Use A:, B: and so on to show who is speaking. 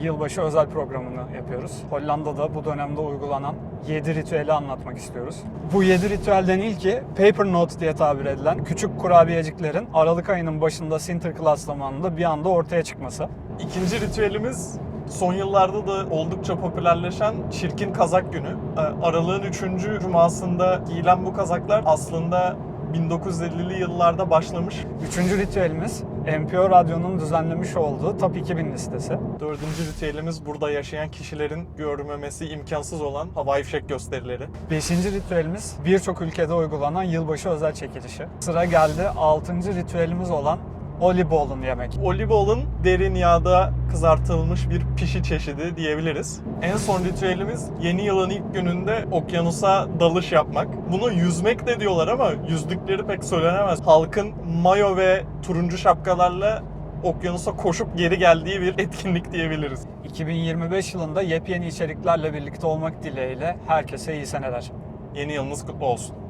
A: Yılbaşı özel programını yapıyoruz. Hollanda'da bu dönemde uygulanan 7 ritüeli anlatmak istiyoruz. Bu 7 ritüelden ilki Paper Note diye tabir edilen küçük kurabiyeciklerin Aralık ayının başında Sinterklaas zamanında bir anda ortaya çıkması.
B: İkinci ritüelimiz son yıllarda da oldukça popülerleşen Çirkin Kazak Günü. Aralığın 3. cumasında giyilen bu kazaklar aslında 1950'li yıllarda başlamış.
A: Üçüncü ritüelimiz NPO Radyo'nun düzenlemiş olduğu Top 2000 listesi.
B: Dördüncü ritüelimiz burada yaşayan kişilerin görmemesi imkansız olan havai fişek gösterileri.
A: Beşinci ritüelimiz birçok ülkede uygulanan yılbaşı özel çekilişi. Sıra geldi 6. ritüelimiz olan Oliebollen yemek.
B: Oliebollen derin yağda kızartılmış bir pişi çeşidi diyebiliriz. En son ritüelimiz yeni yılın ilk gününde okyanusa dalış yapmak. Bunu yüzmek de diyorlar ama yüzdükleri pek söylenemez. Halkın mayo ve turuncu şapkalarla okyanusa koşup geri geldiği bir etkinlik diyebiliriz.
A: 2025 yılında yepyeni içeriklerle birlikte olmak dileğiyle herkese iyi seneler.
B: Yeni yılınız kutlu olsun.